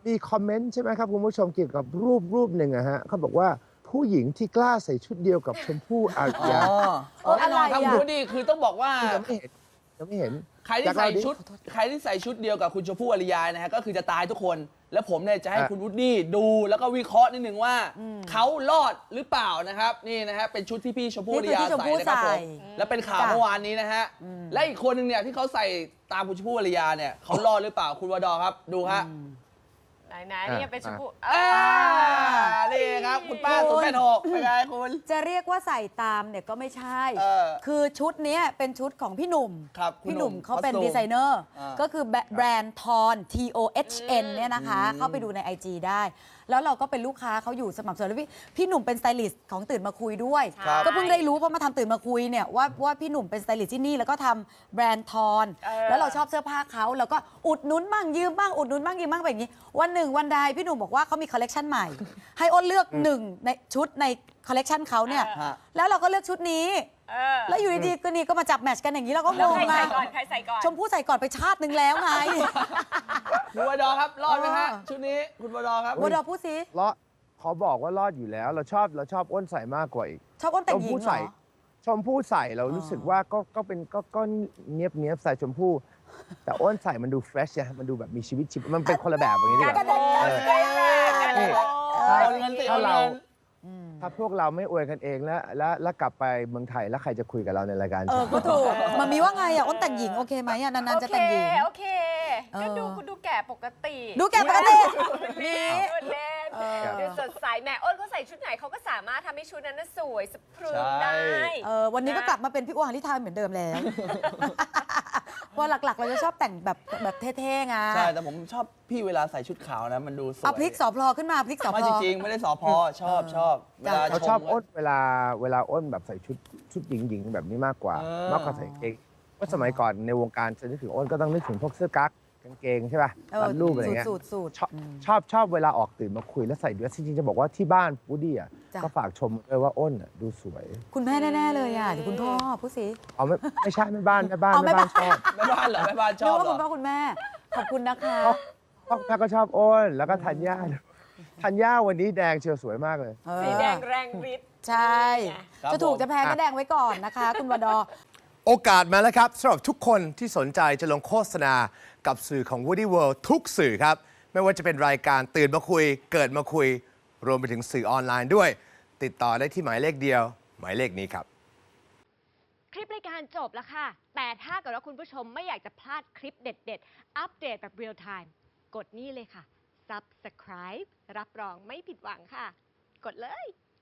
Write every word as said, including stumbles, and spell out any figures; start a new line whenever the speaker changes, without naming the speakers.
มีคอมเมนต์ใช่ไหมครับคุณผู้ชมเกี่ยวกับรูปรูปหนึ่งอะฮะเขาบอกว่าผู้หญิงที่กล้าใส่ชุดเดียวกับชมพู่อารยา
อ๋อแน่นอนครับคุณนี่คือต้องบอกว่า
ยังไม่เห็นยังไม่เห็น
ใครที่ใส่ชุดใครที่ใส่ชุดเดียวกับคุณชมพู่อารยานะฮะก็คือจะตายทุกคนแล้วผมเนี่ยจะให้คุณวูดดี้ดูแล้วก็วิเคราะห์นิดนึงว่าเขารอดหรือเปล่านะครับนี่นะฮะเป็นชุดที่พี่ชมพู่อารยาใส่นะครับผมแล้วเป็นข่าวเมื่อวานนี้นะฮะและอีกคนหนึ่งเนี่ยที่เขาใส่ตามคุณชมพู่อารยาเนี่ยเขารอดหรือเปล่าคุณวดอครับดูฮะ
ไหนๆนี่เป็นชมพู
นี่ครับคุณป้าสุดแม่หกเป็นไงคุณ
จะเรียกว่าใส่ตามเนี่ยก็ไม่ใช่คือชุดนี้เป็นชุดของพี่หนุ่มพี่หนุ่มเขาเป็นดีไซเนอร์ก็คือแบรนด์ทอน T O H N เนี่ยนะคะเข้าไปดูใน ไอ จี ได้แล้วเราก็เป็นลูกค้าเขาอยู่สม่ำเสมอแล้วพี่พี่หนุ่มเป็นสไตลิสต์ของตื่นมาคุยด้วยก็เพิ่งได้รู้เพราะมาทำตื่นมาคุยเนี่ยว่าว่าพี่หนุ่มเป็นสไตลิสต์ที่นี่แล้วก็ทำแบรนด์ทอนแล้วเราชอบเสื้อผ้าเขาแล้วก็อุดหนุนบ้างยืมบ้างอุดหนุนบ้างยืมบ้างแบบนี้วันหนึ่งวันใดพี่หนุ่มบอกว่าเขามีคอลเลกชันใหม่ให้อ้นเลือกหนึ่งในชุดในคอลเลกชันเขาเนี่ยแล้วเราก็เลือกชุดนี้แล้วอยู่ดีๆก็นี่ก็มาจับแมทช์กันอย่างนี้เราก็งงไง
ใครใส่ก่อน
ชมพู่ใส่ก่อนไปชาตินึงแล้วไง
คุณวดอครับรอดไหมฮะชุดนี้คุณวดอครับ
วดอพูดสิ
รอดขอบอกว่ารอดอยู่แล้วเราชอบเราชอบอ้นใส่มากกว่าอีก
ชอบอ้นแต่งหญิงเหรอ
ชมพู่ใส่เรารู้สึกว่าก็ก็เป็นก็ก็เนียบเนียบใส่ชมพู่แต่อ้นใส่มันดูเฟรชอะมันดูแบบมีชีวิตชีวิตมันเป็นคนละแบบอย่างนี้ดีกว่าถ้าเราถ้าพวกเราไม่อวยกันเองแล้วแล้วแล้วกลับไปเมืองไทยแล้วใครจะคุยกับเราในรายการ
เออก็ถูกมันมีว่าไงอ่ะอ้นแต่งหญิงโอเคไหมอ่ะนานๆจะแต่งหญิง
โอเคก็ดูคุณดูแก่ปกติ
ดูแก่ปกติ
มีเล่นดูสดใสแม่อ้นเขาใส่ชุดไหนเขาก็สามารถทำให้ชุดนั้นสวยสะพรึงได้
วันนี้ก็กลับมาเป็นพี่อ้วนหาริทายเหมือนเดิมแล้วเพราะหลักๆเราจะชอบแต่งแบบแบบเท่ๆไง
ใช่แต่ผมชอบพี่เวลาใส่ชุดขาวนะมันดูสวย
เอาพลิกสอพลอขึ้นมาพลิกสอพลอ
ไม่จริงไม่ได้สอพลอชอบชอบ
เวลาเขาชอบอ้นเวลาเวลาอ้นแบบใส่ชุดชุดหญิงๆแบบนี้มากกว่ามากกว่าใส่เกงว่าสมัยก่อนในวงการจะนึกถึงอ้นก็ต้องนึกถึงพวกเสื้อกั๊กกางเกงใช่ป่ะตัดรูปอะไรเงี้ยชอบชอบชอบเวลาออกตื่นมาคุยแล้วใส่เดรสจริงๆจะบอกว่าที่บ้านวูดดี้อ่ะก็ฝากชมเลยว่าอ้นดูสวย
คุณแม่แน่ๆเลยอ่ะเดี๋ยวคุณพ่อพูดสิ
เอาไม่ไม่ใช่แม่บ้านแม่บ้านแม่บ้านชอบ
แม่บ้านเหรอแม่บ้านชอบ
เหรอคุณพ่อคุณแม่ขอบคุณนะคะ
พ่อแม่ก็ชอบอ้นแล้วก็ธัญญาธัญญาวันนี้แดงเชียวสวยมากเลย
สีแดงแรงฤทธิ์
ใช่จะถูกจะแพงก็แดงไว้ก่อนนะคะคุณวดอ
โอกาสมาแล้วครับสำหรับทุกคนที่สนใจจะลงโฆษณากับสื่อของ Woody World ทุกสื่อครับไม่ว่าจะเป็นรายการตื่นมาคุยเกิดมาคุยรวมไปถึงสื่อออนไลน์ด้วยติดต่อได้ที่หมายเลขเดียวหมายเลขนี้ครับ
คลิปรายการจบแล้วค่ะแต่ถ้าเกิดว่าคุณผู้ชมไม่อยากจะพลาดคลิปเด็ดๆอัปเดตแบบเรียลไทม์กดนี่เลยค่ะ Subscribe รับรองไม่ผิดหวังค่ะกดเลย